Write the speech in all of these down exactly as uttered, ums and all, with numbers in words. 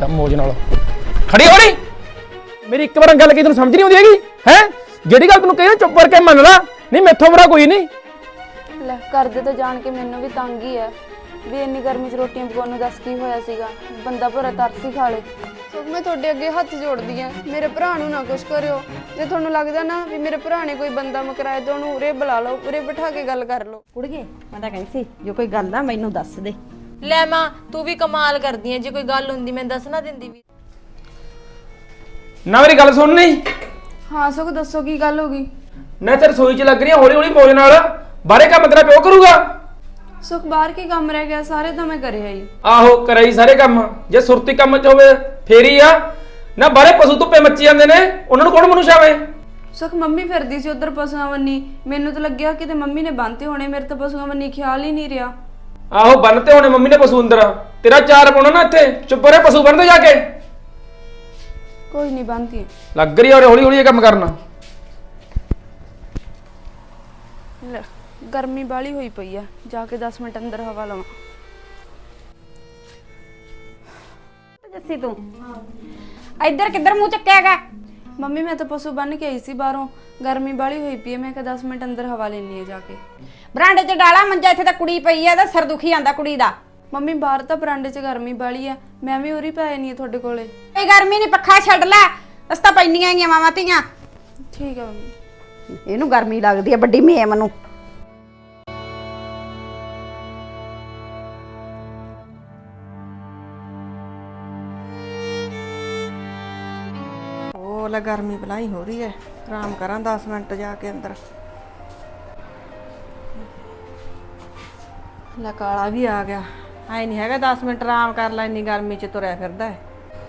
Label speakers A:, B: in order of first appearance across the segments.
A: ਤਾਂ ਮੋਜ ਨਾਲ ਖੜੀ ਹੋ ਨਹੀਂ ਮੇਰੀ ਇੱਕ ਵਾਰ ਗੱਲ ਕੀ ਤੈਨੂੰ ਸਮਝ ਨਹੀਂ ਆਉਂਦੀ ਹੈਗੀ ਹੈ ਜਿਹੜੀ ਗੱਲ ਤੈਨੂੰ ਕਹੀ ਚੁੱਪ ਕਰਕੇ ਮੰਨ ਲਾ ਨਹੀਂ ਮੈਥੋਂ ਬੁਰਾ ਕੋਈ ਨਹੀਂ
B: ਲੈ ਕਰਦੇ ਤਾਂ ਜਾਣ ਕੇ ਮੈਨੂੰ ਵੀ ਤੰਗ ਹੀ ਹੈ ਵੀ ਇੰਨੀ ਗਰਮੀ 'ਚ ਰੋਟੀਆਂ ਪਕਾਉਣ ਨੂੰ ਦੱਸ ਕੀ ਹੋਇਆ ਸੀਗਾ ਬੰਦਾ ਭਰਾ ਤਰਸ ਹੀ ਖਾ ਲੇ ਸੋ ਮੈਂ ਤੁਹਾਡੇ ਅੱਗੇ ਹੱਥ ਜੋੜਦੀ ਆ ਮੇਰੇ ਭਰਾ ਨੂੰ ਨਾ ਕੁਛ ਕਰਿਓ ਜੇ ਤੁਹਾਨੂੰ ਲੱਗਦਾ ਨਾ ਵੀ ਮੇਰੇ ਭਰਾ ਨੇ ਕੋਈ ਬੰਦਾ ਮਕਰਾਇਆ ਤਾਂ ਉਹਨੂੰ ਉਰੇ ਬੁਲਾ ਲਓ ਉਰੇ ਬਿਠਾ ਕੇ ਗੱਲ ਕਰ ਲਓ
C: ਕੁੜੀਏ ਮੈਂ ਤਾਂ ਕਹਿੰਦੀ ਸੀ ਜੋ ਕੋਈ ਗੱਲ ਆ ਮੈਨੂੰ ਦੱਸ ਦੇ
D: ਲੈ ਮਾਂ ਤੂੰ ਵੀ ਕਮਾਲ ਕਰਦੀ ਐ ਜੇ ਕੋਈ ਗੱਲ ਹੁੰਦੀ ਮੈਂ ਦੱਸ ਨਾ ਦਿੰਦੀ ਵੀ
A: ਨਾ ਮੇਰੀ ਗੱਲ ਸੁਣ ਨਹੀਂ
B: ਹਾਂ ਸੁਖ ਦੱਸੋ ਕੀ ਗੱਲ ਹੋ ਗਈ
A: ਨਾ ਤੇ ਰਸੋਈ 'ਚ ਲੱਗ ਰਹੀ ਹੌਲੀ ਹੌਲੀ ਮੋਜ ਨਾਲ ਬਾਹਰੇ ਕੰਮ ਤੇਰਾ ਪਿਓ ਕਰੂਗਾ
B: ਸੁਖ ਬਾਹਰ ਕੀ ਕੰਮ ਰਹਿ ਗਿਆ ਸਾਰੇ ਤਾਂ ਮੈਂ ਕਰਿਆ ਹੀ
A: ਆਹੋ ਕਰਾਈ ਸਾਰੇ ਕੰਮ ਜੇ ਸੁਰਤੀ ਕੰਮ 'ਚ ਹੋਵੇ ਫੇਰ ਹੀ ਆ ਨਾ ਬਾਹਰੇ ਪਸ਼ੂ ਧੁੱਪੇ ਮੱਚੀ ਜਾਂਦੇ ਨੇ ਉਹਨਾਂ ਨੂੰ ਕੌਣ ਮਨੁਸ਼ਾਵੇ
B: ਸੁਖ ਮੰਮੀ ਫਿਰਦੀ ਸੀ ਉਧਰ ਪਸ਼ੂਆਂ ਵੰਨੀ ਮੈਨੂੰ ਤਾਂ ਲੱਗਿਆ ਕਿਤੇ ਮੰਮੀ ਨੇ ਬੰਨ੍ਹਤੇ ਹੋਣੇ ਮੇਰੇ ਤਾਂ ਪਸ਼ੂਆਂ ਵੰਨੀ ਖਿਆਲ ਹੀ ਨਹੀਂ ਰਿਹਾ
A: ਆਹੋ ਬੰਨਤੇ ਹੋਣੇ ਮੰਮੀ ਨੇ ਪਸ਼ੂ ਅੰਦਰ ਤੇਰਾ ਚਾਰ ਪਾਉਣਾ ਨਾ ਇੱਥੇ ਚੁੱਪ ਰਹੇ ਪਸ਼ੂ ਬੰਨਦੇ ਜਾ ਕੇ
B: ਕੋਈ ਨਹੀਂ ਬੰਨ੍ਹਤੀ
A: ਲੱਗ ਰਹੀ ਔਰ ਹੌਲੀ ਹੌਲੀ ਇਹ ਕੰਮ ਕਰਨਾ
B: ਲੈ ਗਰਮੀ ਬਾਲੀ ਹੋਈ ਪਈ ਆ ਜਾ ਕੇ ਦਸ ਮਿੰਟ ਅੰਦਰ ਹਵਾ ਲਵਾਂ
C: ਜੱਸੀ ਤੂੰ ਇੱਧਰ ਕਿੱਧਰ ਮੂੰਹ ਚੱਕਿਆਗਾ
B: ਮੰਮੀ ਮੈਂ ਤਾਂ ਪਸ਼ੂ ਬੰਨ ਕੇ ਆਈ ਸੀ ਬਾਹਰੋਂ ਗਰਮੀ ਬਾਲੀ ਹੋਈ ਪਈ ਹੈ ਮੈਂ ਕਿਹਾ ਦਸ ਮਿੰਟ ਅੰਦਰ ਹਵਾ ਲੈਣੀ ਹੈ ਜਾ ਕੇ
C: ਬਰਾਂਡੇ 'ਚ ਡਾਲਾ ਮੰਜਾ ਇੱਥੇ ਤਾਂ ਕੁੜੀ ਪਈ ਆ ਇਹਦਾ ਸਿਰ ਦੁਖੀ ਆਂਦਾ ਕੁੜੀ ਦਾ
B: ਮੰਮੀ ਬਾਹਰ ਤਾਂ ਬਰਾਂਡੇ 'ਚ ਗਰਮੀ ਬਾਲੀ ਆ ਮੈਂ ਵੀ ਉਰੀ ਪੈ ਨਹੀਂ ਤੁਹਾਡੇ ਕੋਲੇ
C: ਕੋਈ ਗਰਮੀ ਨਹੀਂ ਪੱਖਾ ਛੱਡ ਲੈ ਅਸ ਤਾਂ ਪੈਣੀਆਂ ਹੈਗੀਆਂ ਮਾਵਾਂ ਧੀਆਂ
B: ਠੀਕ ਆ ਮੰਮੀ
C: ਇਹਨੂੰ ਗਰਮੀ ਲੱਗਦੀ ਆ ਵੱਡੀ ਮੇਮ ਨੂੰ
E: ਉਹ ਲੈ ਗਰਮੀ ਬਲਾਈ ਹੋ ਰਹੀ ਹੈ ਆਰਾਮ ਕਰਾਂ ਦਸ ਮਿੰਟ ਜਾ ਕੇ ਅੰਦਰ ਲੈ ਕਾਲਾ ਵੀ ਆ ਗਿਆ ਐ ਨਹੀਂ ਹੈਗਾ ਦਸ ਮਿੰਟ ਆਰਾਮ ਕਰ ਲੈ ਇੰਨੀ ਗਰਮੀ ਚ ਤੁਰਿਆ ਫਿਰਦਾ ਹੈ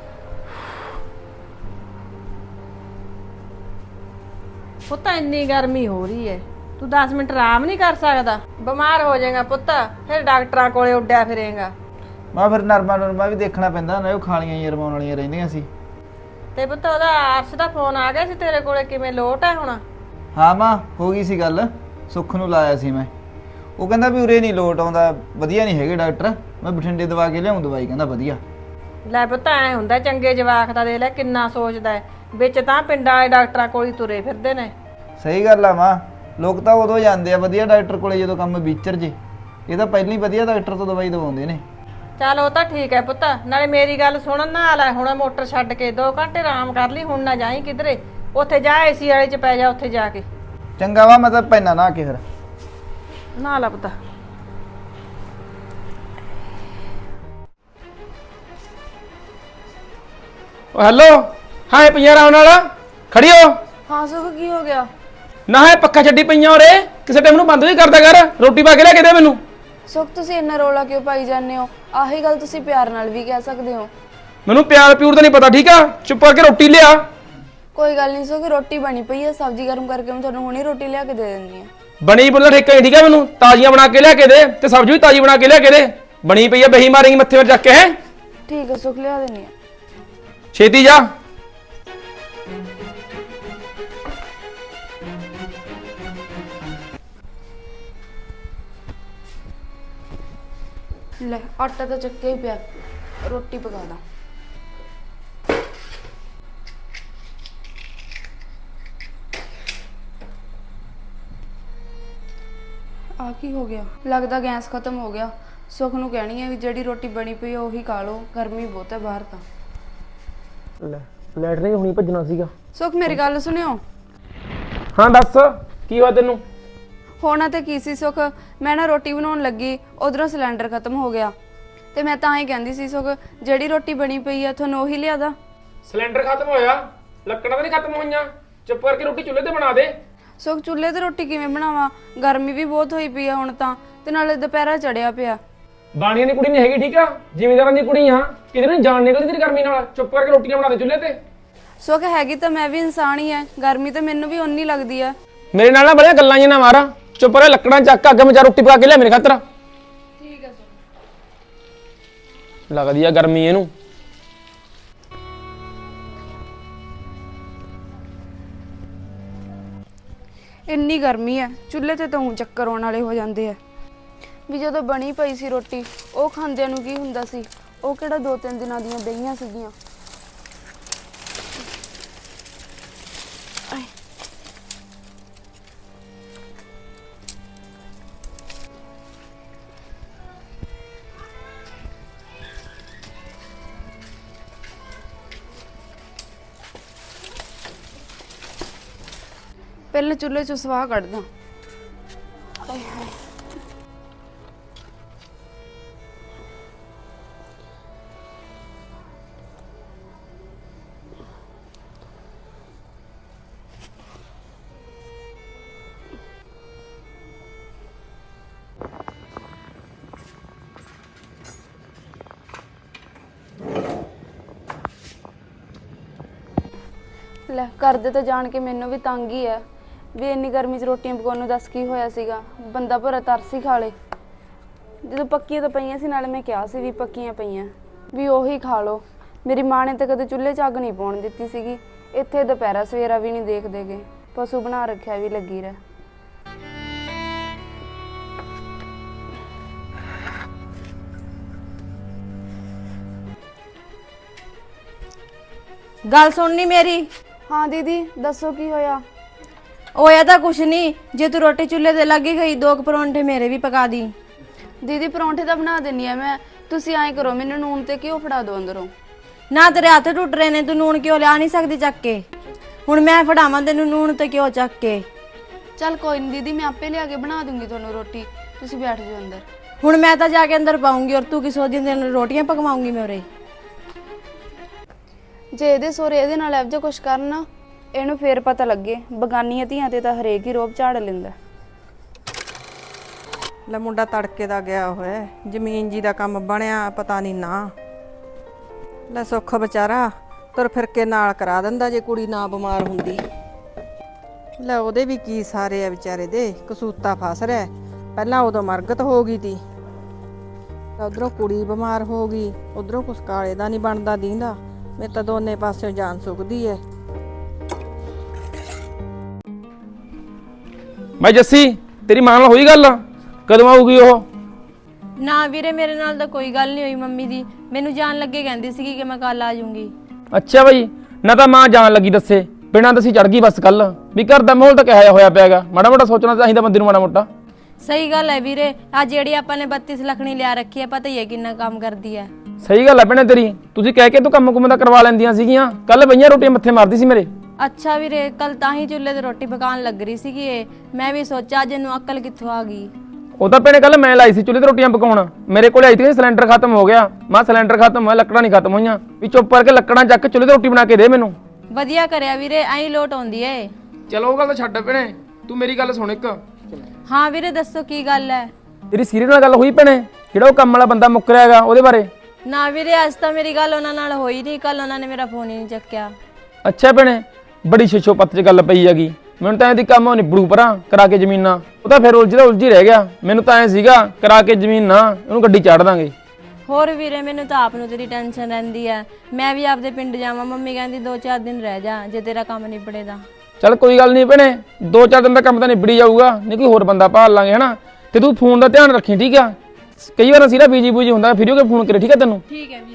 E: ਪੁੱਤ ਇੰਨੀ ਗਰਮੀ ਹੋ ਰਹੀ ਹੈ ਤੂੰ ਦਸ ਮਿੰਟ ਆਰਾਮ ਨਹੀਂ ਕਰ ਸਕਦਾ ਬਿਮਾਰ ਹੋ ਜਾਏਗਾ ਪੁੱਤ ਫਿਰ ਡਾਕਟਰਾਂ ਕੋਲੇ ਉੱਡਿਆ ਫਿਰੇਗਾ
F: ਮੈਂ ਫਿਰ ਨਰਮਾ ਨਰਮਾ ਵੀ ਦੇਖਣਾ ਪੈਂਦਾ ਨਾ ਉਹ ਖਾਲੀਆਂ ਹੀ ਰਮਾਉਣ ਵਾਲੀਆਂ ਰਹਿੰਦੀਆਂ ਸੀ
E: ਤੇ ਪੁੱਤ ਉਹਦਾ ਆਰਸ ਦਾ ਫੋਨ ਆ ਗਿਆ ਸੀ ਤੇਰੇ ਕੋਲੇ ਕਿਵੇਂ ਲੋਟ ਹੈ ਹੁਣ
F: ਹਾਂ ਮਾਂ ਹੋ ਗਈ ਸੀ ਗੱਲ ਸੁੱਖ ਨੂੰ ਲਾਇਆ ਸੀ ਮੈਂ ਉਹ ਕਹਿੰਦਾ ਵੀ ਉਰੇ ਨਹੀਂ ਲੋਟ ਆਉਂਦਾ ਵਧੀਆ ਨਹੀਂ ਹੈਗੇ ਡਾਕਟਰ ਮੈਂ ਬਠਿੰਡੇ ਦਵਾ ਕੇ ਲਿਆਉਂ ਦਵਾਈ ਕਹਿੰਦਾ ਵਧੀਆ
E: ਲੈ ਪੁੱਤ ਐ ਹੁੰਦਾ ਚੰਗੇ ਜਵਾਕ ਦਾ ਦੇ ਲੈ ਕਿੰਨਾ ਸੋਚਦਾ ਵਿੱਚ ਤਾਂ ਪਿੰਡਾਂ ਵਾਲੇ ਡਾਕਟਰਾਂ ਕੋਲ ਹੀ ਤੁਰੇ ਫਿਰਦੇ ਨੇ
F: ਸਹੀ ਗੱਲ ਆ ਮਾਂ ਲੋਕ ਤਾਂ ਉਦੋਂ ਜਾਂਦੇ ਆ ਵਧੀਆ ਡਾਕਟਰ ਕੋਲੇ ਜਦੋਂ ਕੰਮ ਵਿਚਰ ਜੇ ਇਹ ਤਾਂ ਪਹਿਲਾਂ ਹੀ ਵਧੀਆ ਡਾਕਟਰ ਤੋਂ ਦਵਾਈ ਦਵਾਉਂਦੇ ਨੇ
E: ਚੱਲ ਉਹ ਤਾਂ ਠੀਕ ਹੈ ਪੁੱਤ ਨਾਲੇ ਮੇਰੀ ਗੱਲ ਸੁਣਨ ਨਾ ਲੈ ਹੁਣ ਮੋਟਰ ਛੱਡ ਕੇ ਦੋ ਘੰਟੇ ਆਰਾਮ ਕਰ ਲਈ ਹੁਣ ਨਾ ਜਾਈ ਕਿਧਰੇ ਉੱਥੇ ਜਾ ਏਸੀ ਵਾਲੇ ਚ ਪੈ ਜਾ ਉੱਥੇ ਜਾ ਕੇ
F: ਚੰਗਾ ਵਾ ਮੈਂ ਤਾਂ ਪੈਣਾ ਨਾ ਕੇ ਫਿਰ
E: ਨਾ ਲਾ ਪੁੱਤ
A: ਓ ਹੈਲੋ ਹਾਂ ਇਹ ਪਈਆਂ ਆਰਾਮ ਨਾਲ ਖੜੀ ਹੋ
B: ਹਾਂ ਸੁਖ ਕੀ ਹੋ ਗਿਆ
A: ਨਾ ਇਹ ਪੱਖਾ ਛੱਡੀ ਪਈਆਂ ਉਰੇ ਕਿਸੇ ਟਾਈਮ ਨੂੰ ਬੰਦ ਵੀ ਕਰਦਾ ਕਰ ਰੋਟੀ ਪਾ ਕੇ ਲੈ ਕੇ ਦੇ ਮੈਨੂੰ
B: ਸੁਖ ਤੁਸੀਂ ਇੰਨਾ ਰੋਲਾ ਕਿਉਂ ਪਾਈ ਜਾਂਦੇ ਹੋ ਆਹੀ ਗੱਲ ਤੁਸੀਂ ਪਿਆਰ ਨਾਲ ਵੀ ਕਹਿ ਸਕਦੇ ਹੋ
A: ਮੈਨੂੰ ਪਿਆਰ ਪਿਊਰ ਤਾਂ ਨਹੀਂ ਪਤਾ ਠੀਕ ਆ ਚੁੱਪ ਕਰਕੇ ਰੋਟੀ ਲਿਆ
B: ਕੋਈ ਗੱਲ ਨਹੀਂ ਸੁਖ ਰੋਟੀ ਬਣੀ ਪਈ ਹੈ ਸਬਜ਼ੀ ਗਰਮ ਕਰਕੇ ਮੈਂ ਤੁਹਾਨੂੰ ਹੁਣੇ ਰੋਟੀ ਲਿਆ ਕੇ ਦੇ ਦਿੰਦੀ ਹਾਂ
A: ਬਣੀ ਬੋਲਦਾ ਠੇਕਾ ਹੀ ਠੀਕ ਆ ਮੈਨੂੰ ਤਾਜ਼ੀਆਂ ਬਣਾ ਕੇ ਲਿਆ ਕੇ ਦੇ ਤੇ ਸਬਜ਼ੀ ਵੀ ਤਾਜ਼ੀ ਬਣਾ ਕੇ ਲਿਆ ਕੇ ਦੇ ਬਣੀ ਪਈ ਆ ਬਹੀ ਮਾਰੇਂਗੀ ਮੱਥੇ 'ਤੇ ਚੱਕ ਕੇ ਹੈ
B: ਠੀਕ ਹੈ ਸੁਖ ਲਿਆ ਦਿੰਦੀ ਹਾਂ
A: ਛੇਤੀ ਜਾ
B: ਲੈ ਆਟਾ ਤਾਂ ਚੱਕਿਆ ਹੀ ਪਿਆ ਰੋਟੀ ਪਕਾ ਦਾਂ ਆ ਕੀ ਹੋ ਗਿਆ ਲੱਗਦਾ ਗੈਸ ਖਤਮ ਹੋ ਗਿਆ ਸੁਖ ਨੂੰ ਕਹਿਣੀ ਹੈ ਵੀ ਜਿਹੜੀ ਰੋਟੀ ਬਣੀ ਪਈ ਆ ਉਹੀ ਖਾ ਲਓ ਗਰਮੀ ਬਹੁਤ ਹੈ ਬਾਹਰ ਤਾਂ
A: ਲੈ ਲੈਟਰਿੰਗ ਹੁਣੀ ਭੱਜਣਾ ਸੀਗਾ
B: ਸੁਖ ਮੇਰੀ ਗੱਲ ਸੁਣਿਓ
A: ਹਾਂ ਦੱਸ ਕੀ ਹੋਇਆ ਤੈਨੂੰ
B: ਹੋਣਾ ਤੇ ਕੀ ਸੀ ਸੁਖ ਮੈਂ ਨਾ ਰੋਟੀ ਬਣਾਉਣ ਲੱਗੀ ਉਧਰੋਂ ਸਿਲੰਡਰ ਖਤਮ ਹੋ ਗਿਆ ਤੇ ਮੈਂ ਤਾਂ ਹੀ ਕਹਿੰਦੀ ਸੀ ਸੁਖ ਜਿਹੜੀ ਰੋਟੀ ਬਣੀ ਪਈ ਆ ਤੁਹਾਨੂੰ ਉਹੀ ਲਿਆ ਦਾ
A: ਸਿਲੰਡਰ ਖਤਮ ਹੋਇਆ ਲੱਕੜਾਂ ਤਾਂ ਨਹੀਂ ਖਤਮ ਹੋਈਆਂ ਚੁੱਪ ਕਰਕੇ ਰੋਟੀ ਚੁੱਲ੍ਹੇ ਤੇ ਬਣਾ ਦੇ
B: ਸੁਖ ਚੁੱਲ੍ਹੇ ਤੇ ਰੋਟੀ ਕਿਵੇਂ ਬਣਾਵਾਂ ਗਰਮੀ ਵੀ ਬਹੁਤ ਹੋਈ ਪਈ ਆ ਹੁਣ ਤਾਂ ਤੇ ਨਾਲੇ ਦੁਪਹਿਰਾ ਚੜਿਆ ਪਿਆ
A: ਬਾਣੀਆਂ ਦੀ ਕੁੜੀ ਨਹੀਂ ਹੈਗੀ ਠੀਕ ਆ ਜ਼ਿਮੀਂਦਾਰਾਂ ਦੀ ਕੁੜੀ ਆ ਕਿਧਰ ਨੂੰ ਜਾਣ ਨਿਕਲਦੀ ਤੇਰੀ ਗਰਮੀ ਨਾਲ ਚੁੱਪ ਕਰਕੇ ਰੋਟੀਆਂ ਬਣਾ ਦੇ ਚੁੱਲ੍ਹੇ ਤੇ
B: ਸੁਖ ਹੈਗੀ ਤਾਂ ਮੈਂ ਵੀ ਇਨਸਾਨ ਹੀ ਐ ਗਰਮੀ ਤਾਂ ਮੈਨੂੰ ਵੀ ਓਨੀ ਲੱਗਦੀ ਆ
A: ਮੇਰੇ ਨਾਲ ਨਾ ਬੜੀਆਂ ਗੱਲਾਂ ਜਿਹੀਆਂ ਨਾ ਮਾਰਾ ਚੁੱਪ ਕਰਕੇ ਲੱਕੜਾਂ ਚੱਕ ਅੱਗ ਮਚਾ ਰੋਟੀ ਪਕਾ ਕੇ ਲਿਆ ਮੇਰੇ ਖਾਤਰ
B: ਠੀਕ ਹੈ
A: ਲੱਗਦੀ ਆ ਗਰਮੀ ਇਹਨੂੰ
B: ਇੰਨੀ ਗਰਮੀ ਐ ਚੁੱਲ੍ਹੇ ਤੇ ਤਾਂ ਊਂ ਚੱਕਰ ਆਉਣ ਵਾਲੇ ਹੋ ਜਾਂਦੇ ਆ ਵੀ ਜਦੋਂ ਬਣੀ ਪਈ ਸੀ ਰੋਟੀ ਉਹ ਖਾਂਦਿਆਂ ਨੂੰ ਕੀ ਹੁੰਦਾ ਸੀ ਉਹ ਕਿਹੜਾ ਦੋ ਤਿੰਨ ਦਿਨਾਂ ਦੀਆਂ ਬਈਆਂ ਸੀਗੀਆਂ। ਪਹਿਲੇ ਚੁੱਲ੍ਹੇ 'ਚੋਂ ਸਵਾਹ ਕੱਢਦਾ। ਆਏ ਹਾਏ, ਲੈ ਕਰਦੇ ਤਾਂ ਜਾਣ ਕੇ ਮੈਨੂੰ ਵੀ ਤੰਗ ਹੀ ਹੈ ਵੀ ਇੰਨੀ ਗਰਮੀ 'ਚ ਰੋਟੀਆਂ ਪਕਾਉਣ ਨੂੰ ਦੱਸ ਕੀ ਹੋਇਆ ਸੀਗਾ। ਬੰਦਾ ਭਰਾ ਤਰਸ ਹੀ ਖਾ ਲੇ। ਜਦੋਂ ਪੱਕੀਆਂ ਤਾਂ ਪਈਆਂ ਸੀ, ਨਾਲੇ ਮੈਂ ਕਿਹਾ ਸੀ ਵੀ ਪੱਕੀਆਂ ਪਈਆਂ ਵੀ ਉਹੀ ਖਾ ਲਓ। ਮੇਰੀ ਮਾਂ ਨੇ ਤਾਂ ਕਦੇ ਚੁੱਲ੍ਹੇ 'ਚ ਅੱਗ ਨਹੀਂ ਪਾਉਣ ਦਿੱਤੀ ਸੀਗੀ। ਇੱਥੇ ਦੁਪਹਿਰਾ ਸਵੇਰਾ ਵੀ ਨਹੀਂ ਦੇਖਦੇ ਗੇ, ਪਸ਼ੂ ਬਣਾ ਰੱਖਿਆ ਵੀ ਲੱਗੀ ਰਹਿ।
C: ਗੱਲ ਸੁਣਨੀ ਮੇਰੀ।
B: ਹਾਂ ਦੀਦੀ ਦੱਸੋ ਕੀ ਹੋਇਆ।
C: ਹੋਇਆ ਤਾਂ ਕੁਛ ਨਹੀਂ, ਜੇ ਤੂੰ ਰੋਟੀ ਚੁੱਲ੍ਹੇ ਤੇ ਲੱਗੀ ਗਈ ਦੋ ਕੁ ਪਰੌਂਠੇ ਮੇਰੇ ਵੀ ਪਕਾ ਦੀ।
B: ਦੀਦੀ ਪਰੌਂਠੇ ਤਾਂ ਬਣਾ ਦਿੰਨੀ ਆ ਮੈਂ, ਤੁਸੀਂ ਐਂ ਕਰੋ ਮੈਨੂੰ ਨੂਨ ਤੇ ਘਿਓ ਫੜਾ ਦਿਓ ਅੰਦਰੋਂ।
C: ਨਾ ਤੇਰੇ ਹੱਥ ਟੁੱਟ ਰਹੇ ਨੇ, ਤੂੰ ਨੂਣ ਕਿਉਂ ਲਿਆ ਨਹੀਂ ਸਕਦੀ ਚੱਕ ਕੇ। ਹੁਣ ਮੈਂ ਫੜਾਵਾਂ ਤੈਨੂੰ ਨੂਣ ਤੇ ਘਿਓ ਚੱਕ ਕੇ।
B: ਚੱਲ ਕੋਈ ਨਹੀਂ ਦੀਦੀ, ਮੈਂ ਆਪੇ ਲਿਆ ਕੇ ਬਣਾ ਦੂੰਗੀ ਤੁਹਾਨੂੰ ਰੋਟੀ, ਤੁਸੀਂ ਬੈਠ ਜਾਓ ਅੰਦਰ।
C: ਹੁਣ ਮੈਂ ਤਾਂ ਜਾ ਕੇ ਅੰਦਰ ਪਾਉਂਗੀ, ਔਰ ਤੂੰ ਕੀ ਸੋਚਦੀ ਤੈਨੂੰ ਰੋਟੀਆਂ ਪਕਵਾਉਂਗੀ ਮੈਂ ਉਰੇ।
B: ਜੇ ਇਹਦੇ ਸੋਰੇ ਇਹਦੇ ਨਾਲ ਇਹੋ ਜਿਹਾ ਕੁਛ ਕਰਨ, ਇਹਨੂੰ ਫੇਰ ਪਤਾ ਲੱਗੇ ਬਗਾਨੀਆਂ ਧੀਆਂ ਤੇ ਤਾਂ ਹਰੇਕ ਹੀ ਰੋਬ ਝਾੜ ਲੈਂਦਾ।
E: ਲੈ ਮੁੰਡਾ ਤੜਕੇ ਦਾ ਗਿਆ ਹੋਇਆ, ਜ਼ਮੀਨ ਜੀ ਦਾ ਕੰਮ ਬਣਿਆ ਪਤਾ ਨਹੀਂ ਨਾ। ਲੈ ਸੁੱਖ ਵਿਚਾਰਾ ਤੁਰ ਫਿਰ ਕੇ ਨਾਲ ਕਰਾ ਦਿੰਦਾ ਜੇ ਕੁੜੀ ਨਾ ਬਿਮਾਰ ਹੁੰਦੀ। ਲੈ ਉਹਦੇ ਵੀ ਕੀ ਸਾਰੇ ਆ ਵਿਚਾਰੇ ਦੇ, ਕਸੂਤਾ ਫਸ ਰਿਹਾ। ਪਹਿਲਾਂ ਉਦੋਂ ਮਰਗਤ ਹੋ ਗਈ ਤੀ, ਉਧਰੋਂ ਕੁੜੀ ਬਿਮਾਰ ਹੋ ਗਈ, ਉਧਰੋਂ ਕੁਛ ਕਾਲੇ ਦਾ ਨਹੀਂ ਬਣਦਾ ਦੀਂਦਾ। ਮੇਰੇ ਤਾਂ ਦੋਨੇ ਪਾਸਿਓਂ ਜਾਨ ਸੁੱਕਦੀ ਐ।
A: ਮੈਂ ਜੱਸੀ, ਤੇਰੀ ਮਾਂ ਨਾਲ ਹੋਈ ਗੱਲ? ਕਦੋਂ ਆਊਗੀ ਉਹ?
C: ਨਾ ਵੀਰੇ, ਮੇਰੇ ਨਾਲ ਤਾਂ ਕੋਈ ਗੱਲ ਨਹੀਂ ਹੋਈ ਮੰਮੀ ਦੀ। ਮੈਨੂੰ ਜਾਣ ਲੱਗੇ ਕਹਿੰਦੀ ਸੀਗੀ ਕਿ ਮੈਂ ਕੱਲ ਆ ਜਾਊਂਗੀ।
A: ਅੱਛਾ ਬਈ, ਨਾ ਤਾਂ ਮਾਂ ਜਾਣ ਲੱਗੀ ਦੱਸੇ, ਬਿਨਾਂ ਦੱਸੀ ਚੜ ਗਈ ਬਸ। ਕੱਲ ਵੀ ਘਰ ਦਾ ਮਾਹੌਲ ਤਾਂ ਕਿਹਾ ਹੋਇਆ ਪਿਆਗਾ, ਮਾੜਾ ਮੋਟਾ ਸੋਚਣਾ ਚਾਹੀਦਾ ਬੰਦੇ ਨੂੰ, ਮਾੜਾ ਮੋਟਾ।
C: ਸਹੀ ਗੱਲ ਹੈ ਵੀਰੇ, ਆ ਜਿਹੜੀ ਆਪਾਂ ਨੇ ਬੱਤੀ ਲੱਖਣੀ ਲਿਆ ਰੱਖੀ ਹੈ, ਪਤਾ ਹੀ ਹੈ ਕਿੰਨਾ ਕੰਮ ਕਰਦੀ ਹੈ।
A: ਸਹੀ ਗੱਲ ਹੈ ਭੈਣੇ ਤੇਰੀ, ਤੁਸੀਂ ਕਹਿ ਕੇ ਤੂੰ ਕੰਮ ਕੁੰਮ ਦਾ ਕਰਵਾ ਲੈਂਦੀਆਂ ਸੀਗੀਆਂ। ਕੱਲ ਬਈਆਂ ਰੋਟੀਆਂ ਮੱਥੇ ਮਾਰਦੀ ਸੀ ਮੇਰੇ।
C: ਅੱਛਾ ਵੀਰੇ, ਕੱਲ ਤਾਂ ਹੀ ਚੁੱਲ੍ਹੇ ਤੇ ਰੋਟੀ ਪਕਾਉਣ ਲੱਗ ਰਹੀ ਸੀਗੀ ਇਹ। ਮੈਂ ਵੀ ਸੋਚਿਆ ਅੱਜ ਇਹਨੂੰ ਅਕਲ ਕਿੱਥੋਂ ਆ ਗਈ।
A: ਉਹ ਤਾਂ ਭੈਣੇ ਕੱਲ ਮੈਂ ਲਾਈ ਸੀ ਚੁੱਲ੍ਹੇ ਤੇ ਰੋਟੀਆਂ ਪਕਾਉਣ, ਮੇਰੇ ਕੋਲ ਆਈ ਸੀ ਸਿਲੰਡਰ ਖਤਮ ਹੋ ਗਿਆ। ਮੈਂ ਸਿਲੰਡਰ ਖਤਮ ਹੋਇਆ, ਲੱਕੜਾਂ ਨਹੀਂ ਖਤਮ ਹੋਈਆਂ, ਵੀ ਚੁੱਪ ਕਰਕੇ ਲੱਕੜਾਂ ਚੱਕ ਕੇ ਚੁੱਲ੍ਹੇ ਤੇ ਰੋਟੀ ਬਣਾ ਕੇ ਦੇ ਮੈਨੂੰ।
C: ਵਧੀਆ ਕਰਿਆ ਵੀਰੇ, ਐਂ ਲੋਟ ਆਉਂਦੀ ਏ।
A: ਚਲੋ ਉਹ ਗੱਲ ਤਾਂ ਛੱਡ ਭੈਣੇ, ਤੂੰ ਮੇਰੀ ਗੱਲ ਸੁਣ ਇੱਕ।
C: ਹਾਂ ਵੀਰੇ ਦੱਸੋ ਕੀ ਗੱਲ ਹੈ।
A: ਤੇਰੀ ਸੀਰੀਅਸ ਨਾਲ ਗੱਲ ਹੋਈ ਭੈਣੇ, ਜਿਹੜਾ ਉਹ ਕੰਮ ਵਾਲਾ ਬੰਦਾ ਮੁੱਕਰਿਆ ਹੈਗਾ ਉਹਦੇ ਬਾਰੇ?
C: ਨਾ ਵੀਰੇ, ਅੱਜ ਤਾਂ ਮੇਰੀ ਗੱਲ ਉਹਨਾਂ ਨਾਲ ਹੋਈ ਨਹੀਂ। ਕੱਲ ਉਹਨਾਂ ਨੇ ਮੇਰਾ ਫੋਨ ਹੀ ਨਹੀਂ ਚੱਕਿਆ।
A: ਅੱਛਾ ਭੈਣੇ, ਬੜੀ ਛਿਛੋ ਪੱਤ 'ਚ ਗੱਲ ਪਈ ਹੈਗੀ। ਮੈਨੂੰ ਤਾਂ ਇਹਦੀ ਕੰਮ ਨਿਬੜੂ ਪਰਾਂ ਕਰਾ ਕੇ ਜ਼ਮੀਨਾਂ, ਉਹ ਤਾਂ ਫਿਰ ਉਲਝਦਾ ਉਲਝੀ ਰਹਿ ਗਿਆ। ਮੈਨੂੰ ਤਾਂ ਐ ਸੀਗਾ ਕਰਾ ਕੇ ਜ਼ਮੀਨ ਨਾ ਉਹਨੂੰ ਗੱਡੀ ਚਾੜ ਦਾਂਗੇ।
C: ਹੋਰ ਵੀਰੇ, ਮੈਨੂੰ ਤਾਂ ਆਪ ਨੂੰ ਤੇਰੀ ਟੈਨਸ਼ਨ ਰਹਿੰਦੀ ਹੈ। ਮੈਂ ਵੀ ਆਪਦੇ ਪਿੰਡ ਜਾਵਾਂ, ਮੰਮੀ ਕਹਿੰਦੀ ਦੋ ਚਾਰ ਦਿਨ ਰਹਿ ਜਾ ਜੇ ਤੇਰਾ ਕੰਮ ਨਿਬੜੇ ਦਾ।
A: ਚੱਲ ਕੋਈ ਗੱਲ ਨਹੀਂ ਭੈਣੇ, ਦੋ ਚਾਰ ਦਿਨ ਦਾ ਕੰਮ ਤਾਂ ਨਿਬੜੀ ਜਾਊਗਾ, ਨਹੀਂ ਕੋਈ ਹੋਰ ਬੰਦਾ ਭਾਲ ਲਾਂਗੇ ਹਨਾ। ਤੇ ਤੂੰ ਫੋਨ ਦਾ ਧਿਆਨ ਰੱਖੀ, ਠੀਕ ਆ? ਕਈ ਵਾਰ ਅਸੀਂ ਨਾ ਬੀਜੀ ਬੂਜੀ ਹੁੰਦਾ, ਫਿਰ ਉਹ ਫੋਨ ਕਰੇ, ਠੀਕ ਆ ਤੈਨੂੰ?
C: ਠੀਕ ਹੈ ਵੀਰੇ।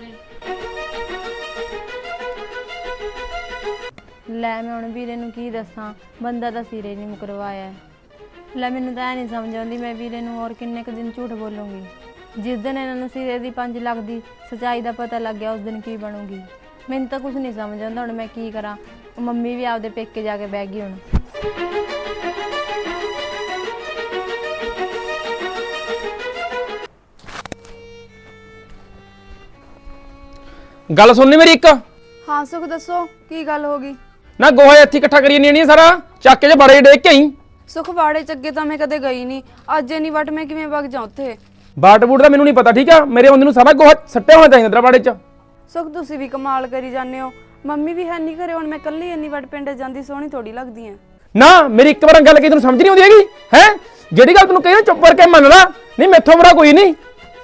C: ਲੈ ਮੈਂ ਹੁਣ ਵੀਰੇ ਨੂੰ ਕੀ ਦੱਸਾਂ, ਬੰਦਾ ਤਾਂ ਸਿਰੇ ਨਹੀਂ ਮੁਕਰਵਾਇਆ। ਲੈ ਮੈਨੂੰ ਤਾਂ ਇਹ ਨਹੀਂ ਸਮਝ ਆਉਂਦੀ ਮੈਂ ਵੀਰੇ ਨੂੰ ਹੋਰ ਕਿੰਨੇ ਕੁ ਦਿਨ ਝੂਠ ਬੋਲੂੰਗੀ। ਜਿਸ ਦਿਨ ਇਹਨਾਂ ਨੂੰ ਸਿਰੇ ਦੀ ਪੰਜ ਲੱਖ ਦੀ ਸੱਚਾਈ ਦਾ ਪਤਾ ਲੱਗ ਗਿਆ, ਉਸ ਦਿਨ ਕੀ ਬਣੂਗੀ। ਮੈਨੂੰ ਤਾਂ ਕੁਝ ਨਹੀਂ ਸਮਝ ਆਉਂਦਾ ਹੁਣ ਮੈਂ ਕੀ ਕਰਾਂ। ਮੰਮੀ ਵੀ ਆਪਦੇ ਪੇਕੇ ਜਾ ਕੇ ਬਹਿ ਗਈ ਹੁਣ।
A: ਗੱਲ ਸੁਣਨੀ ਮੇਰੀ ਇੱਕ।
B: ਹਾਂ ਸੁਖ ਦੱਸੋ ਕੀ ਗੱਲ ਹੋ ਗਈ।
A: ਨਾ ਗੋਹਾ ਇੱਥੇ ਇਕੱਠਾ ਕਰੀ ਨਹੀਂ ਸਾਰਾ, ਚੱਕ ਕੇ ਜੇ ਬਾੜੇ ਡੇਕ ਕੇ ਆਈ।
B: ਸੁਖ ਵਾੜੇ ਚ ਅੱਗੇ ਤਾਂ ਮੈਂ ਕਦੇ ਗਈ ਨਹੀਂ, ਅੱਜ ਇੰਨੀ ਵਟ ਮੈਂ ਕਿਵੇਂ ਵਗ ਜਾ ਉੱਥੇ।
A: ਬਾਟ ਬੂਟ ਦਾ ਮੈਨੂੰ ਨਹੀਂ ਪਤਾ, ਠੀਕ ਆ? ਮੇਰੇ ਬੰਦੇ ਨੂੰ ਸਾਰਾ ਗੋਹਾ ਸੱਟਿਆ ਹੋਣਾ ਚਾਹੀਦਾ ਤੇਰਾ ਬਾੜੇ 'ਚ।
B: ਸੁਖ ਤੁਸੀਂ ਵੀ ਕਮਾਲ ਕਰੀ ਜਾਂਦੇ ਹੋ, ਮੰਮੀ ਵੀ ਹੈ ਨਹੀਂ ਘਰੇ, ਹੁਣ ਮੈਂ ਇਕੱਲੀ ਇੰਨੀ ਵਟ ਪਿੰਡ ਜਾਂਦੀ ਸੋਹਣੀ ਥੋੜੀ ਲੱਗਦੀ ਆ।
A: ਨਾ ਮੇਰੀ ਇੱਕ ਵਾਰ ਗੱਲ ਕੀ ਤੈਨੂੰ ਸਮਝ ਨਹੀਂ ਆਉਂਦੀ ਹੈਗੀ ਹੈ? ਜਿਹੜੀ ਗੱਲ ਤੈਨੂੰ ਕਹੀ ਨਾ ਚੁੱਪ ਕਰਕੇ ਮੰਨ ਲਾ, ਨਹੀਂ ਮੈਥੋਂ ਬੜਾ ਕੋਈ ਨਹੀਂ।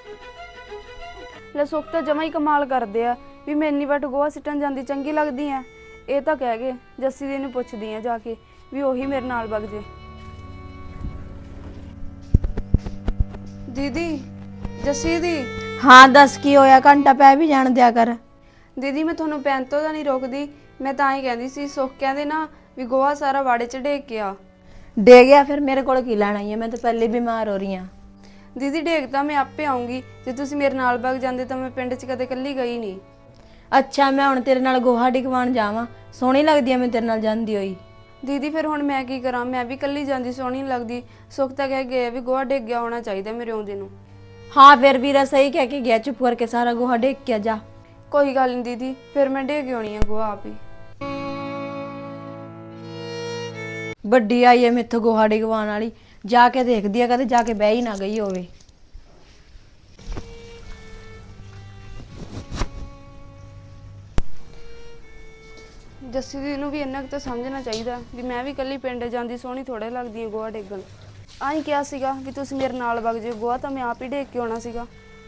B: ਲੈ ਸੁਖ ਤਾਂ ਜਮਾ ਹੀ ਕਮਾਲ ਕਰਦੇ ਆ ਵੀ ਮੈਂ ਇੰਨੀ ਵਟ ਗੋਹਾ ਸਿੱਟਣ ਜਾਂਦੀ ਚੰਗੀ ਲੱਗਦੀ ਆ। ਇਹ ਤਾਂ ਕਹਿ ਗਏ ਜੱਸੀ ਦੀ ਨੂੰ ਪੁੱਛਦੀ ਆ ਜਾ ਕੇ ਵੀ ਉਹੀ ਮੇਰੇ ਨਾਲ ਵਗ ਜੇ। ਦੀਦੀ, ਜੱਸੀ ਦੀ।
C: ਹਾਂ ਦੱਸ ਕੀ ਹੋਇਆ? ਘੰਟਾ ਪੈ ਵੀ ਜਾਣ ਦਿਆ ਕਰ।
B: ਦੀਦੀ ਮੈਂ ਤੁਹਾਨੂੰ ਪੈਣ ਤੋਂ ਤਾਂ ਨਹੀਂ ਰੋਕਦੀ, ਮੈਂ ਤਾਂ ਹੀ ਕਹਿੰਦੀ ਸੀ ਸੁੱਖ ਕਹਿੰਦੇ ਨਾ ਵੀ ਗੋਹਾ ਸਾਰਾ ਵਾੜੇ 'ਚ ਡੇਗ ਕੇ ਆ।
C: ਡੇ ਗਿਆ ਫਿਰ ਮੇਰੇ ਕੋਲ ਕੀ ਲੈਣਾ ਹੈ? ਮੈਂ ਤਾਂ ਪਹਿਲੇ ਬਿਮਾਰ ਹੋ ਰਹੀ ਹਾਂ।
B: ਦੀਦੀ ਡੇਗ ਤਾਂ ਮੈਂ ਆਪੇ ਆਉਂਗੀ, ਜੇ ਤੁਸੀਂ ਮੇਰੇ ਨਾਲ ਵਗ ਜਾਂਦੇ ਤਾਂ ਮੈਂ ਪਿੰਡ 'ਚ ਕਦੇ ਇਕੱਲੀ ਗਈ ਨਹੀਂ।
C: ਅੱਛਾ ਮੈਂ ਹੁਣ ਤੇਰੇ ਨਾਲ ਗੋਹਾ ਡਿਗਵਾਉਣ ਜਾਵਾਂ? ਸੋਹਣੀ ਲੱਗਦੀ ਆ ਮੈਂ ਤੇਰੇ ਨਾਲ ਜਾਂਦੀ ਹੋਈ।
B: ਦੀਦੀ ਫਿਰ ਹੁਣ ਮੈਂ ਕੀ ਕਰਾਂ, ਮੈਂ ਵੀ ਇਕੱਲੀ ਜਾਂਦੀ ਸੋਹਣੀ ਨਹੀਂ ਲੱਗਦੀ। ਸੁੱਖ ਤਾਂ ਕਹਿ ਗਏ ਵੀ ਗੋਹਾ ਡੇਗ ਗਿਆ ਹੋਣਾ ਚਾਹੀਦਾ ਮੇਰੇ ਆਉਂਦੇ ਨੂੰ।
C: ਹਾਂ ਫਿਰ ਵੀਰਾ ਸਹੀ ਕਹਿ ਕੇ ਗਿਆ, ਚੁੱਪ ਕਰਕੇ ਸਾਰਾ ਗੋਹਾ ਡੇਗ ਕੇ ਜਾ।
B: ਕੋਈ ਗੱਲ ਨਹੀਂ ਦੀਦੀ, ਫਿਰ ਮੈਂ ਡੇਗ ਆਉਣੀ ਆ ਗੋਹਾ ਆਪ ਹੀ।
C: ਵੱਡੀ ਆਈ ਐ ਮੈਥੋਂ ਗੋਹਾ ਡਿਗਵਾਉਣ ਵਾਲੀ, ਜਾ ਕੇ ਦੇਖਦੀ ਆ ਕਦੇ ਜਾ ਕੇ ਬਹਿ ਹੀ ਨਾ ਗਈ ਹੋਵੇ।
B: ਜੱਸੀ ਦੀ ਨੂੰ ਵੀ ਇੰਨਾ ਕੁ ਤਾਂ ਸਮਝਣਾ ਚਾਹੀਦਾ ਵੀ ਮੈਂ ਵੀ ਇਕੱਲੀ ਪਿੰਡ ਜਾਂਦੀ ਸੋਹਣੀ ਥੋੜੇ ਲੱਗਦੀ ਆ ਗੋਹਾ ਡੇਗਣ। ਆਹੀਂ ਕਿਹਾ ਸੀਗਾ ਵੀ ਤੁਸੀਂ ਮੇਰੇ ਨਾਲ ਵਗ ਜਿਓ, ਗੋਹਾ ਤਾਂ ਮੈਂ ਆਪ ਹੀ ਡੇਗ ਕੇ ਆਉਣਾ ਸੀਗਾ।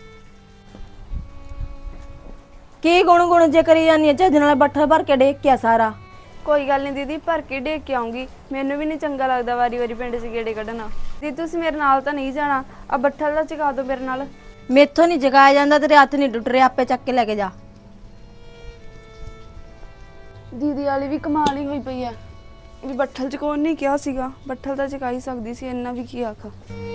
C: ਕੀ ਗੁਣ ਗੁਣ ਜੇ ਕਰੀ ਜਾਂਦੀ ਆ, ਚੱਜ ਨਾਲ ਬੱਠਲ ਭਰ ਕੇ ਡੇਗ ਕੇ ਆ ਸਾਰਾ।
B: ਕੋਈ ਗੱਲ ਨਹੀਂ ਦੀਦੀ, ਭਰ ਕੇ ਡੇਗ ਕੇ ਆਉਂਗੀ। ਮੈਨੂੰ ਵੀ ਨਹੀਂ ਚੰਗਾ ਲੱਗਦਾ ਵਾਰੀ ਵਾਰੀ ਪਿੰਡ 'ਚ ਗੇੜੇ ਕੱਢਣਾ। ਦੀਦੀ ਤੁਸੀਂ ਮੇਰੇ ਨਾਲ ਤਾਂ ਨਹੀਂ ਜਾਣਾ, ਆ ਬੱਠਲ ਦਾ ਚਕਾ ਦਿਓ ਮੇਰੇ ਨਾਲ।
C: ਮੈਥੋਂ ਨਹੀਂ ਜਗਾਇਆ ਜਾਂਦਾ, ਤੇਰੇ ਹੱਥ ਨਹੀਂ ਟੁੱਟ ਰਹੇ, ਆਪੇ ਚੱਕ ਕੇ ਲੈ ਕੇ ਜਾ।
B: ਦੀਦੀ ਵਾਲੀ ਵੀ ਕਮਾਲ ਹੀ ਹੋਈ ਪਈ ਐ ਵੀ ਬੱਠਲ ਚਕਾਉਣ ਨਹੀਂ ਕਿਹਾ ਸੀਗਾ, ਬੱਠਲ ਤਾਂ ਚਕਾ ਹੀ ਸਕਦੀ ਸੀ, ਇੰਨਾ ਵੀ ਕੀ ਆਖ।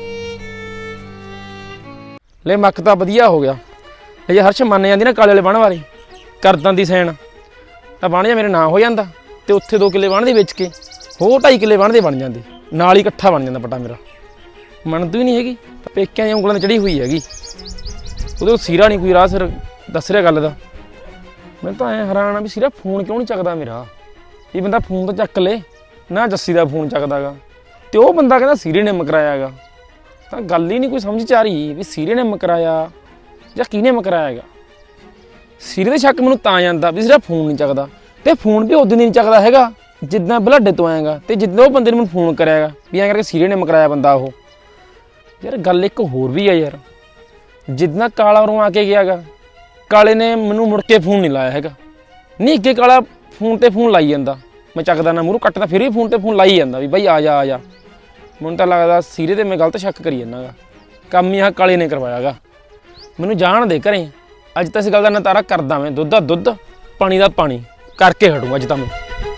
A: ਲੈ ਮੱਕ ਤਾਂ ਵਧੀਆ ਹੋ ਗਿਆ। ਇਹ ਜੇ ਹਰਸ਼ ਮੰਨ ਜਾਂਦੀ ਨਾ ਕਾਲੇ ਵਾਲੇ ਬਣ ਵਾਲੀ ਕਰਦਾਂ ਦੀ ਸੈਨ, ਤਾਂ ਬਣ ਜਾ ਮੇਰੇ ਨਾਂ ਹੋ ਜਾਂਦਾ, ਤੇ ਉੱਥੇ ਦੋ ਕਿੱਲੇ ਬਣ ਦੇ ਵੇਚ ਕੇ ਹੋਰ ਢਾਈ ਕਿੱਲੇ ਬਣ ਦੇ ਬਣ ਜਾਂਦੇ, ਨਾਲ ਹੀ ਇਕੱਠਾ ਬਣ ਜਾਂਦਾ ਪਟਾ ਮੇਰਾ। ਮੰਨਦੀ ਹੀ ਨਹੀਂ ਹੈਗੀ, ਪੇਕਿਆਂ ਦੀਆਂ ਉਂਗਲਾਂ 'ਤੇ ਚੜੀ ਹੋਈ ਹੈਗੀ, ਉਹਦੇ ਸੀਰਾ ਨਹੀਂ ਕੋਈ ਰਾਹ ਸਿਰ ਦੱਸ ਰਿਹਾ ਗੱਲ ਦਾ। ਮੈਂ ਤਾਂ ਐਂ ਹੈਰਾਨ ਆ ਵੀ ਸੀਰਾ ਫੋਨ ਕਿਉਂ ਨਹੀਂ ਚੱਕਦਾ ਮੇਰਾ। ਇਹ ਬੰਦਾ ਫੋਨ ਤਾਂ ਚੱਕ ਲੇ ਨਾ, ਜੱਸੀ ਦਾ ਫੋਨ ਚੱਕਦਾ ਗਾ, ਤੇ ਉਹ ਬੰਦਾ ਕਹਿੰਦਾ ਸੀਰੇ ਨੇ ਮਕਰਾਇਆ ਗਾ। ਤਾਂ ਗੱਲ ਹੀ ਨਹੀਂ ਕੋਈ ਸਮਝ 'ਚ ਆ ਰਹੀ ਵੀ ਸੀਰੇ ਨੇ ਮਕਰਾਇਆ ਜਾਂ ਕਿਹਨੇ ਮਕਰਾਇਆ ਗਾ। ਸੀਰੇ ਦੇ ਸ਼ੱਕ ਮੈਨੂੰ ਤਾਂ ਜਾਂਦਾ ਵੀ ਸੀਰਾ ਫੋਨ ਨਹੀਂ ਚੱਕਦਾ, ਤੇ ਫੋਨ ਵੀ ਉਦੋਂ ਨਹੀਂ ਚੱਕਦਾ ਹੈਗਾ ਜਿੱਦਾਂ ਬਲੱਡੇ ਤੋਂ ਆਏਗਾ, ਤੇ ਜਿੱਦਾਂ ਉਹ ਬੰਦੇ ਨੇ ਮੈਨੂੰ ਫੋਨ ਕਰਿਆ ਗਾ ਵੀ ਐਂ ਕਰਕੇ ਸੀਰੇ ਨੇ ਮਕਰਾਇਆ ਬੰਦਾ ਉਹ। ਯਾਰ ਗੱਲ ਇੱਕ ਹੋਰ ਵੀ ਆ ਯਾਰ, ਜਿੱਦਾਂ ਕਾਲਾ ਉਰੋਂ ਆ ਕੇ ਗਿਆ ਗਾ, ਕਾਲੇ ਨੇ ਮੈਨੂੰ ਮੁੜ ਕੇ ਫੋਨ ਨਹੀਂ ਲਾਇਆ ਹੈਗਾ। ਨਹੀਂ ਅੱਗੇ ਕਾਲਾ ਫੋਨ ਤੇ ਫੋਨ ਲਾਈ ਜਾਂਦਾ, ਮੈਂ ਚੱਕਦਾ ਨਾ, ਮੂਹਰੋਂ ਕੱਟਦਾ ਫਿਰ ਵੀ ਫੋਨ ਤੇ ਫੋਨ ਲਾਈ ਜਾਂਦਾ ਵੀ ਬਾਈ ਆ ਜਾ ਆ ਜਾ। ਮੈਨੂੰ ਤਾਂ ਲੱਗਦਾ ਸੀਰੇ ਤੇ ਮੈਂ ਗਲਤ ਸ਼ੱਕ ਕਰੀ ਜਾਂਦਾ ਗਾ, ਕੰਮ ਹੀ ਆਹ ਕਾਲੇ ਨੇ ਕਰਵਾਇਆ ਗਾ। ਮੈਨੂੰ ਜਾਣ ਦੇ ਘਰੇ, ਅੱਜ ਤਾਂ ਇਸ ਗੱਲ ਦਾ ਨਤਾਰਾ ਕਰਦਾ ਮੈਂ, ਦੁੱਧ ਦਾ ਦੁੱਧ ਪਾਣੀ ਦਾ ਪਾਣੀ ਕਰਕੇ ਹਟੂੰ ਅੱਜ ਤਾਂ ਮੈਂ।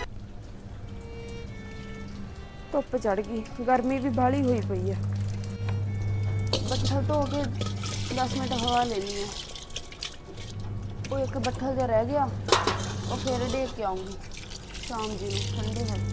B: ਧੁੱਪ ਚੜ ਗਈ, ਗਰਮੀ ਵੀ ਬਾਹਲੀ ਹੋਈ ਪਈ ਆ। ਬੱਠਲ ਧੋ ਕੇ ਦਸ ਮਿੰਟ ਹਵਾ ਲੈਣੀ ਆ। ਉਹ ਇੱਕ ਬੱਠਲ ਜਿਹਾ ਰਹਿ ਗਿਆ, ਉਹ ਫਿਰ ਡੇਕ ਕੇ ਆਉਂਗੀ ਸ਼ਾਮ ਜੀ ਨੂੰ ਠੰਡੇ ਹੋਏ।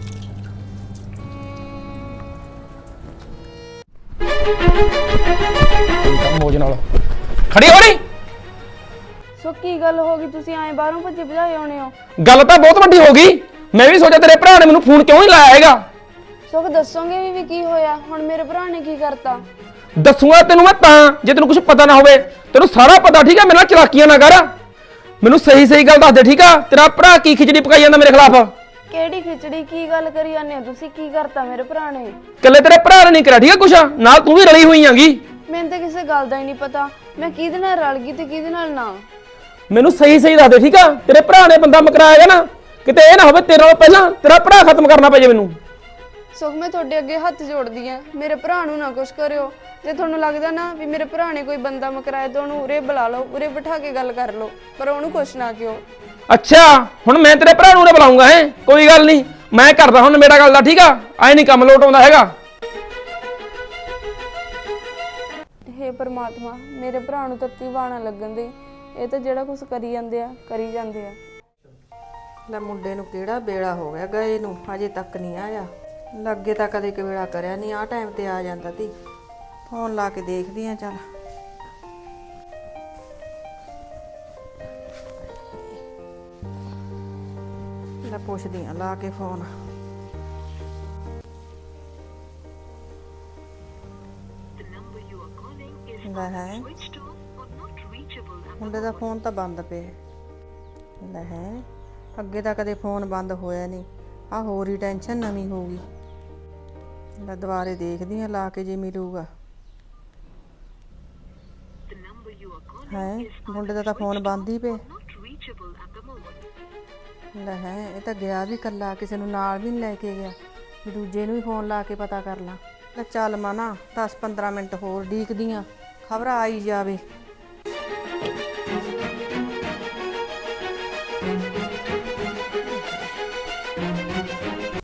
A: ਮੋਜ ਨਾਲ ਖੜੀ ਹੋ ਰਹੀ।
B: ਸੋ ਕੀ ਗੱਲ ਹੋ ਗਈ, ਤੁਸੀਂ ਐਂ ਬਾਹਰੋਂ ਭੱਜੇ ਭਜਾਏ ਆਉਣੇ ਹੋ?
A: ਗੱਲ ਤਾਂ ਬਹੁਤ ਵੱਡੀ ਹੋ ਗਈ, ਮੈਂ ਵੀ ਸੋਚਿਆ ਤੇਰੇ ਭਰਾ ਨੇ ਮੈਨੂੰ ਫੋਨ ਕਿਉਂ ਨਹੀਂ ਲਾਇਆ ਹੈਗਾ।
B: ਸੁਖ ਦੱਸੋਗੇ ਵੀ ਵੀ ਕੀ ਹੋਇਆ? ਹੁਣ ਮੇਰੇ ਭਰਾ ਨੇ ਕੀ ਕਰਤਾ?
A: ਦੱਸੂਗਾ ਤੈਨੂੰ ਮੈਂ ਤਾਂ, ਜੇ ਤੈਨੂੰ ਕੁਝ ਪਤਾ ਨਾ ਹੋਵੇ। ਤੈਨੂੰ ਸਾਰਾ ਪਤਾ ਠੀਕ ਆ, ਮੇਰੇ ਨਾਲ ਚਲਾਕੀਆਂ ਨਾ ਕਰ, ਮੈਨੂੰ ਸਹੀ ਸਹੀ ਗੱਲ ਦੱਸ ਦੇ ਠੀਕ ਆ। ਤੇਰਾ ਭਰਾ ਕੀ ਖਿਚੜੀ ਪਕਾਈ ਜਾਂਦਾ ਮੇਰੇ ਖਿਲਾਫ?
B: ਕਿਹੜੀ ਖਿਚੜੀ? ਕੀ ਗੱਲ ਕਰੀ ਜਾਂਦੇ ਹੋ ਤੁਸੀਂ? ਕੀ ਕਰਤਾ ਮੇਰੇ ਭਰਾ ਨੇ?
A: ਇਕੱਲੇ ਤੇਰੇ ਭਰਾ ਨੇ ਨਹੀਂ ਕਰਿਆ ਠੀਕ ਆ ਕੁਛ, ਨਾਲ ਤੂੰ ਵੀ ਰਲੀ ਹੋਈ ਆਂਗੀ।
B: ਮੈਨੂੰ ਤਾਂ ਕਿਸੇ ਗੱਲ ਦਾ ਹੀ ਨਹੀਂ ਪਤਾ, ਮੈਂ ਕਿਹਦੇ ਨਾਲ ਰਲ ਗਈ ਤੇ ਕਿਹਦੇ ਨਾਲ ਨਾ।
A: ਮੈਨੂੰ ਸਹੀ ਸਹੀ ਦੱਸ ਦੇ ਠੀਕ ਆ। ਤੇਰੇ ਭਰਾ ਨੇ ਬੰਦਾ ਮਕਰਾਇਆ ਨਾ, ਕਿਤੇ ਇਹ ਨਾ ਹੋਵੇ ਤੇਰੇ ਨਾਲੋਂ ਪਹਿਲਾਂ ਤੇਰਾ ਭਰਾ ਖਤਮ ਕਰਨਾ ਪੈ ਜੇ ਮੈਨੂੰ।
B: ਸੁਖ ਮੈਂ ਤੁਹਾਡੇ ਅੱਗੇ ਹੱਥ ਜੋੜਦੀ ਆ, ਮੇਰੇ ਭਰਾ ਨੂੰ ਨਾ ਕੁਛ ਕਰਿਓ। ਜੇ ਤੁਹਾਨੂੰ ਲੱਗਦਾ ਨਾ ਵੀ ਮੇਰੇ ਭਰਾ ਨੇ ਕੋਈ ਬੰਦਾ ਮਕਰਾਇਆ ਤਾਂ ਉਹਨੂੰ ਉਰੇ ਬੁਲਾ ਲਓ, ਉਰੇ ਬਿਠਾ ਕੇ ਗੱਲ ਕਰ ਲਓ, ਪਰ ਉਹਨੂੰ ਕੁਛ ਨਾ ਕਿਉਂ।
A: ਅੱਛਾ ਹੁਣ ਮੈਂ ਤੇਰੇ ਭਰਾ ਨੂੰ ਨਾ ਬੁਲਾਉਂਗਾ ਹੈ, ਕੋਈ ਗੱਲ ਨਹੀਂ, ਮੈਂ ਕਰਦਾ ਹੁਣ ਮੇਰਾ ਗੱਲ ਦਾ ਠੀਕ ਆ। ਐ ਨਹੀਂ ਕੰਮ ਲੋਟ ਆਉਂਦਾ ਹੈਗਾ।
B: ਹੇ ਪਰਮਾਤਮਾ, ਮੇਰੇ ਭਰਾ ਨੂੰ ਤੱਤੀ ਬਾਣਾ ਲੱਗਣ ਦੇ। ਇਹ ਤਾਂ ਜਿਹੜਾ ਕੁਛ ਕਰੀ ਜਾਂਦੇ ਆ ਕਰੀ ਜਾਂਦੇ ਆ।
E: ਲੈ ਮੁੰਡੇ ਨੂੰ ਕਿਹੜਾ ਵੇਲਾ ਹੋ ਗਿਆ ਗਏ ਨੂੰ, ਅਜੇ ਤੱਕ ਨਹੀਂ ਆਇਆ। ਲੱਗੇ ਤਾਂ ਕਦੇ ਕਵੇਲਾ ਕਰਿਆ ਨਹੀਂ, ਆਹ ਟਾਈਮ ਤੇ ਆ ਜਾਂਦਾ ਤੀ। ਫੋਨ ਲਾ ਕੇ ਦੇਖਦੀ ਆ ਚੱਲ। ਲੈ ਪੁੱਛਦੀ ਆ ਲਾ ਕੇ ਫੋਨ। ਲੈ ਹੈ ਮੁੰਡੇ ਦਾ ਫੋਨ ਤਾਂ ਬੰਦ ਪਿਆ। ਲੈ ਹੈ ਅੱਗੇ ਤਾਂ ਕਦੇ ਫੋਨ ਬੰਦ ਹੋਇਆ ਨਹੀਂ, ਆਹ ਹੋਰ ਹੀ ਟੈਨਸ਼ਨ ਨਵੀਂ ਹੋ ਗਈ। ਲੈ ਦੁਬਾਰੇ ਦੇਖਦੀ ਆ ਲਾ ਕੇ, ਜੇ ਮਿਲੂਗਾ। ਹੈ ਮੁੰਡੇ ਦਾ ਤਾਂ ਫੋਨ ਬੰਦ ਹੀ ਪਿਆ। ਲੈ ਹੈ ਇਹ ਤਾਂ ਗਿਆ ਵੀ ਕੱਲਾ, ਕਿਸੇ ਨੂੰ ਨਾਲ ਵੀ ਨਹੀਂ ਲੈ ਕੇ ਗਿਆ, ਵੀ ਦੂਜੇ ਨੂੰ ਵੀ ਫੋਨ ਲਾ ਕੇ ਪਤਾ ਕਰ ਲਾਂ। ਲੈ ਚੱਲ ਮਨਾ ਦਸ ਪੰਦਰਾਂ ਮਿੰਟ ਹੋਰ ਡੀਕਦੀ ਆ, ਖਬਰ ਆਈ ਜਾਵੇ।